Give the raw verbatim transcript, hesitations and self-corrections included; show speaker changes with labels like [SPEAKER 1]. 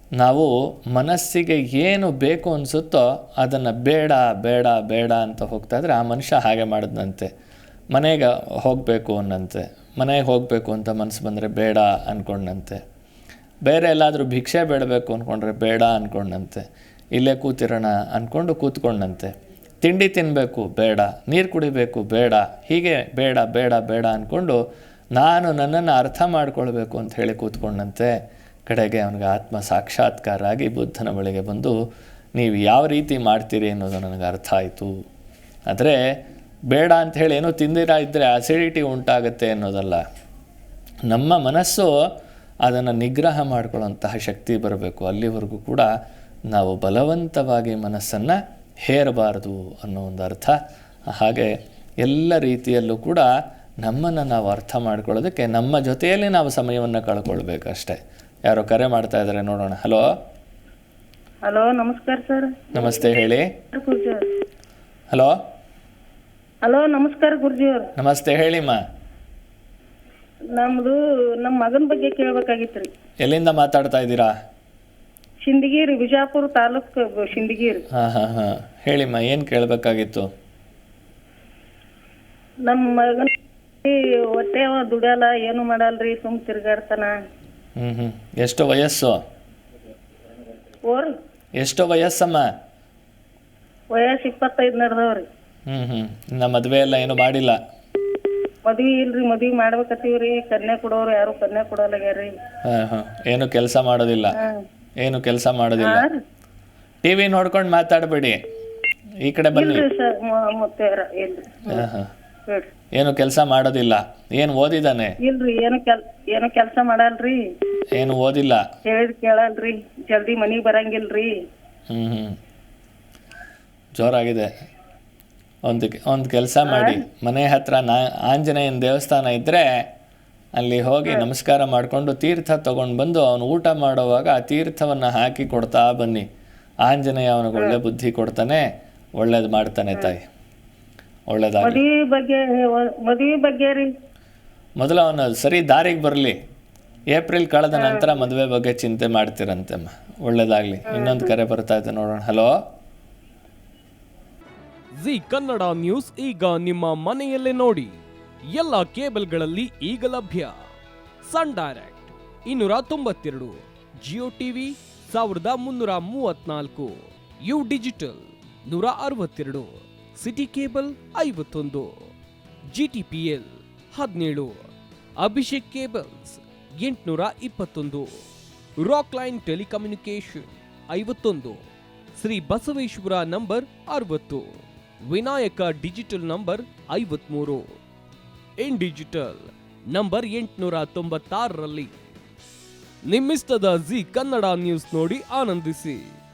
[SPEAKER 1] ನಾವು ಮನಸ್ಸಿಗೆ ಏನು ಬೇಕು ಅನಿಸುತ್ತೋ ಅದನ್ನು ಬೇಡ ಬೇಡ ಬೇಡ ಅಂತ ಹೋಗ್ತಾ ಇದ್ರೆ ಆ ಮನುಷ್ಯ ಹಾಗೆ ಮಾಡಿದ್ನಂತೆ. ಮನೆಗೆ ಹೋಗಬೇಕು ಅನ್ನಂತೆ, ಮನೆಗೆ ಹೋಗಬೇಕು ಅಂತ ಮನಸ್ಸು ಬಂದರೆ ಬೇಡ ಅಂದ್ಕೊಂಡಂತೆ. ಬೇರೆ ಎಲ್ಲಾದರೂ ಭಿಕ್ಷೆ ಬೇಡಬೇಕು ಅಂದ್ಕೊಂಡ್ರೆ ಬೇಡ ಅಂದ್ಕೊಂಡಂತೆ. ಇಲ್ಲೇ ಕೂತಿರೋಣ ಅಂದ್ಕೊಂಡು ಕೂತ್ಕೊಂಡಂತೆ. ತಿಂಡಿ ತಿನ್ನಬೇಕು ಬೇಡ, ನೀರು ಕುಡಿಬೇಕು ಬೇಡ, ಹೀಗೆ ಬೇಡ ಬೇಡ ಬೇಡ ಅಂದ್ಕೊಂಡು ನಾನು ನನ್ನನ್ನು ಅರ್ಥ ಮಾಡ್ಕೊಳ್ಬೇಕು ಅಂತ ಹೇಳಿ ಕೂತ್ಕೊಂಡಂತೆ. ಕಡೆಗೆ ಅವನಿಗೆ ಆತ್ಮ ಸಾಕ್ಷಾತ್ಕಾರ ಆಗಿ ಬುದ್ಧನ ಬಳಿಗೆ ಬಂದು ನೀವು ಯಾವ ರೀತಿ ಮಾಡ್ತೀರಿ ಅನ್ನೋದು ನನಗೆ ಅರ್ಥ ಆಯಿತು. ಆದರೆ ಬೇಡ ಅಂಥೇಳಿ ಏನೋ ತಿಂದಿರ ಇದ್ದರೆ ಅಸಿಡಿಟಿ ಉಂಟಾಗುತ್ತೆ ಅನ್ನೋದಲ್ಲ. ನಮ್ಮ ಮನಸ್ಸು ಅದನ್ನು ನಿಗ್ರಹ ಮಾಡಿಕೊಳ್ಳುವಂತಹ ಶಕ್ತಿ ಬರಬೇಕು. ಅಲ್ಲಿವರೆಗೂ ಕೂಡ ನಾವು ಬಲವಂತವಾಗಿ ಮನಸ್ಸನ್ನು ಹೇರಬಾರ್ದು ಅನ್ನೋ ಒಂದು ಅರ್ಥ. ಹಾಗೆ ಎಲ್ಲ ರೀತಿಯಲ್ಲೂ ಕೂಡ ನಮ್ಮನ್ನು ನಾವು ಅರ್ಥ ಮಾಡ್ಕೊಳ್ಳೋದಕ್ಕೆ ನಮ್ಮ ಜೊತೆಯಲ್ಲಿ ನಾವು ಸಮಯವನ್ನು ಕಳ್ಕೊಳ್ಬೇಕಷ್ಟೇ. ಯಾರೋ ಕರೆ ಮಾಡ್ತಾ ಇದ್ದಾರೆ, ನೋಡೋಣ. ಹಲೋ
[SPEAKER 2] ಹಲೋ, ನಮಸ್ಕಾರ ಸರ್.
[SPEAKER 1] ನಮಸ್ತೆ, ಹೇಳಿ.
[SPEAKER 2] ಗುರುಜಿ ಅವ್ರು.
[SPEAKER 1] ಹಲೋ
[SPEAKER 2] ಹಲೋ, ನಮಸ್ಕಾರ ಗುರುಜಿ ಅವ್ರು.
[SPEAKER 1] ನಮಸ್ತೆ, ಹೇಳಿಮ್ಮ.
[SPEAKER 2] ನಮ್ದು ನಮ್ಮ ಮಗನ ಬಗ್ಗೆ ಕೇಳ್ಬೇಕಾಗಿತ್ತು ರೀ.
[SPEAKER 1] ಎಲ್ಲಿಂದ ಮಾತಾಡ್ತಾ ಇದ್ದೀರಾ?
[SPEAKER 2] ಶಿಂದಗಿರಿ, ಬಿಜಾಪುರ ತಾಲೂಕು ಶಿಂದಗಿರಿ.
[SPEAKER 1] ಹಾಂ ಹಾಂ ಹಾಂ ಹೇಳಿಮ್ಮ, ಏನು ಕೇಳಬೇಕಾಗಿತ್ತು?
[SPEAKER 2] ನಮ್ಮ ಮಗನ ಹೊಟ್ಟೆ ಅವ ದುಡಿಯಲ್ಲ, ಏನು ಮಾಡಲ್ರಿ, ಸುಮ್ ತಿರ್ಗಾಡ್ತಾನ.
[SPEAKER 1] ಹ್ಞೂ ಹ್ಞೂ ಎಷ್ಟು ವಯಸ್ಸು?
[SPEAKER 2] ಓರ್
[SPEAKER 1] ಎಷ್ಟು ವಯಸ್ಸಮ್ಮ?
[SPEAKER 2] ವಯಸ್ಸು ಇಪ್ಪತ್ತೈದು ನಡೆದವ್ರಿ.
[SPEAKER 1] ಹ್ಞೂ ಹ್ಞೂ ನಮ್ಮ ಮದುವೆ ಎಲ್ಲ ಏನು ಮಾಡಿಲ್ಲ?
[SPEAKER 2] ಮದ್ವಿ ಇಲ್ರಿ, ಮದ್ವಿ ಮಾಡ್ಬೇಕತ್ತೀವ್ರಿ. ಕನ್ಯಾ ಕೊಡೋರು ಯಾರು ಕನ್ಯಾ ಕೊಡೋಲ್ಲಾಗ್ಯಾರ್ರಿ.
[SPEAKER 1] ಹಾಂ ಹಾಂ ಏನು ಕೆಲಸ ಮಾಡೋದಿಲ್ಲ? ಏನು ಕೆಲಸ ಮಾಡೋದಿಲ್ಲ. ಟಿ ವಿ ನೋಡ್ಕೊಂಡು ಮಾತಾಡಬೇಡಿ, ಈ ಕಡೆ ಬನ್ನಿ.
[SPEAKER 2] ಇಲ್ರಿ ಸರ್, ಮತ್ತೆ ಇಲ್ರಿ.
[SPEAKER 1] ಹಾಂ ಹಾಂ
[SPEAKER 2] ಹೇಳ್ರಿ.
[SPEAKER 1] ಏನು ಕೆಲಸ ಮಾಡೋದಿಲ್ಲ? ಏನು ಓದಿದ್ದಾನೆ?
[SPEAKER 2] ಇಲ್ರಿ, ಏನು ಕೆಲ್ ಏನು ಕೆಲಸ ಮಾಡಲ್ರಿ.
[SPEAKER 1] ಏನು ಓದಿಲ್ಲ?
[SPEAKER 2] ಹೇಳಿದ್ ಕೇಳಲ್ರಿ, ಜಲ್ದಿ ಮನಿಗ್ ಬರಂಗಿಲ್ರಿ.
[SPEAKER 1] ಹ್ಞೂ ಹ್ಞೂ ಜೋರಾಗಿದೆ. ಒಂದು ಒಂದು ಕೆಲಸ ಮಾಡಿ, ಮನೆ ಹತ್ರ ನಾ ಆಂಜನೇಯನ ದೇವಸ್ಥಾನ ಇದ್ದರೆ ಅಲ್ಲಿ ಹೋಗಿ ನಮಸ್ಕಾರ ಮಾಡಿಕೊಂಡು ತೀರ್ಥ ತೊಗೊಂಡು ಬಂದು ಅವನು ಊಟ ಮಾಡುವಾಗ ಆ ತೀರ್ಥವನ್ನು ಹಾಕಿ ಕೊಡ್ತಾ ಬನ್ನಿ. ಆಂಜನೇಯ ಅವನಿಗೆ ಒಳ್ಳೆ ಬುದ್ಧಿ ಕೊಡ್ತಾನೆ, ಒಳ್ಳೇದು ಮಾಡ್ತಾನೆ ತಾಯಿ. ಒಳ್ಳೇದಾಗಲಿ.
[SPEAKER 2] ಮದ್ವಿ ಬಗ್ಗೆ ಮದ್ವಿ ಬಗ್ಗೆ ರೀ
[SPEAKER 1] ಮೊದಲು ಅವನು ಸರಿ ದಾರಿಗೆ ಬರಲಿ. ಏಪ್ರಿಲ್ ಕಳೆದ ನಂತರ ಮದುವೆ ಬಗ್ಗೆ ಚಿಂತೆ ಮಾಡ್ತೀರಂತೆಮ್ಮ. ಒಳ್ಳೇದಾಗಲಿ. ಇನ್ನೊಂದು ಕರೆ ಬರ್ತಾ ಇದೆ, ನೋಡೋಣ. ಹಲೋ.
[SPEAKER 3] ಜಿ ಕನ್ನಡ ನ್ಯೂಸ್ ಈಗ ನಿಮ್ಮ ಮನೆಯಲ್ಲೇ ನೋಡಿ. ಎಲ್ಲ ಕೇಬಲ್ಗಳಲ್ಲಿ ಈಗ ಲಭ್ಯ. ಸನ್ ಡೈರೆಕ್ಟ್ ಇನ್ನೂರ ತೊಂಬತ್ತೆರಡು, ಜಿಯೋ ಟಿವಿ ಸಾವಿರದ ಮುನ್ನೂರ ಮೂವತ್ನಾಲ್ಕು, ಯು ಡಿಜಿಟಲ್ ನೂರ ಅರವತ್ತೆರಡು, ಸಿಟಿ ಕೇಬಲ್ ಐವತ್ತೊಂದು, ಜಿಟಿಪಿಎಲ್ ಹದಿನೇಳು, ಅಭಿಷೇಕ್ ಕೇಬಲ್ಸ್ ಎಂಟುನೂರ ಇಪ್ಪತ್ತೊಂದು, ರಾಕ್ ಲೈನ್ ಟೆಲಿಕಮ್ಯುನಿಕೇಶನ್ ಐವತ್ತೊಂದು, ಶ್ರೀ ಬಸವೇಶ್ವರ ನಂಬರ್ ಅರವತ್ತು, ವಿನಾಯಕ ಡಿಜಿಟಲ್ ನಂಬರ್ ಐವತ್ಮೂರು, ಇನ್ ಡಿಜಿಟಲ್ ನಂಬರ್ ಎಂಟುನೂರ ತೊಂಬತ್ತಾರರಲ್ಲಿ. ನಿಮ್ಮಿಸ್ತದ ಜಿ ಕನ್ನಡ ನ್ಯೂಸ್ ನೋಡಿ ಆನಂದಿಸಿ.